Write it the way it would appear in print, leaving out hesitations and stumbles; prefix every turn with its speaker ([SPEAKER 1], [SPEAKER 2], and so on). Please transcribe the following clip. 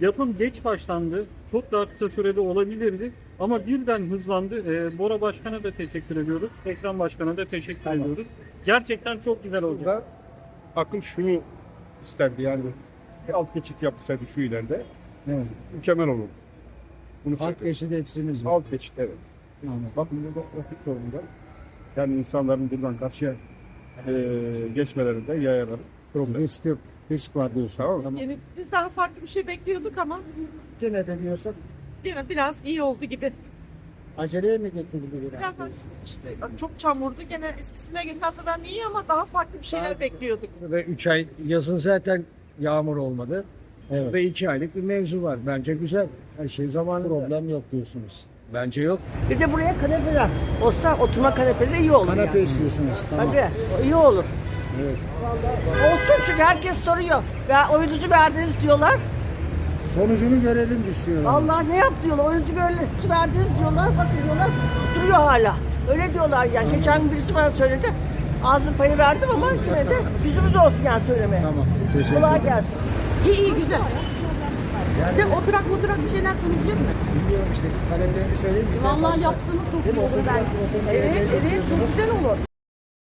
[SPEAKER 1] Yapım geç başlandı. Çok daha kısa sürede olabilirdi. Ama birden hızlandı. Bora Başkan'a da teşekkür ediyoruz. Ekrem Başkan'a da teşekkür ediyoruz. Gerçekten çok güzel oldu.
[SPEAKER 2] Burada akıl şunu isterdi yani bir alt geçit yapsaydı şu ileride
[SPEAKER 3] Evet.
[SPEAKER 2] mükemmel olur. Bunu
[SPEAKER 3] Alt
[SPEAKER 2] söyleyeyim.
[SPEAKER 3] geçidi eksiğimiz var.
[SPEAKER 2] Alt geçit evet.
[SPEAKER 3] Anladım.
[SPEAKER 2] Bakın burada trafik sorunu. Yani insanların buradan karşıya geçmelerinde yayaların problem.
[SPEAKER 3] Risk yok. Risk var diyorsun.
[SPEAKER 2] Tamam.
[SPEAKER 4] Yani biz daha farklı bir şey bekliyorduk ama
[SPEAKER 3] Gene de diyorsun.
[SPEAKER 4] yine biraz iyi oldu gibi.
[SPEAKER 3] Aceleye mi getirildi biraz?
[SPEAKER 4] Biraz işte çok çamurdu. Gene eskisine göre nasadan iyi ama daha farklı bir şeyler bekliyorduk.
[SPEAKER 3] Burada 3 ay yazın zaten yağmur olmadı. Evet. Burada 2 aylık bir mevzu var. Bence güzel. Her şey zamanında. Problem yok diyorsunuz. Bence yok.
[SPEAKER 5] Bir de buraya kanepeler olsa oturma kanepeleri iyi olur
[SPEAKER 3] Kanepe
[SPEAKER 5] yani.
[SPEAKER 3] istiyorsunuz. Tamam.
[SPEAKER 5] Tabii iyi olur.
[SPEAKER 3] Evet.
[SPEAKER 5] Olsun çünkü herkes soruyor. Ya oyunuzu verdiniz diyorlar.
[SPEAKER 3] Sonucunu görelim istiyorum.
[SPEAKER 5] Allah ne yap diyorlar. Oyunuzu verdiniz diyorlar. Bakın diyorlar. Duruyor hala. Öyle diyorlar yani. Geçen gün birisi bana söyledi. Ağzın payı verdim ama yine de yüzümüz olsun yani söylemeye.
[SPEAKER 3] Tamam. Teşekkür
[SPEAKER 5] Kolay
[SPEAKER 3] ederim.
[SPEAKER 5] gelsin.
[SPEAKER 4] İyi güzel.
[SPEAKER 3] Yani,
[SPEAKER 4] De oturak bir şeyler konuşuyor mu?
[SPEAKER 3] bilmiyorum işte siz taleplerinizi söyleyin. Biz
[SPEAKER 4] Vallahi yapsanız çok iyi olur
[SPEAKER 3] oturacak,
[SPEAKER 4] ben.
[SPEAKER 3] oturmaya
[SPEAKER 4] Evet,
[SPEAKER 3] yerleri
[SPEAKER 4] evet çok
[SPEAKER 3] istiyorsunuz.
[SPEAKER 4] güzel olur.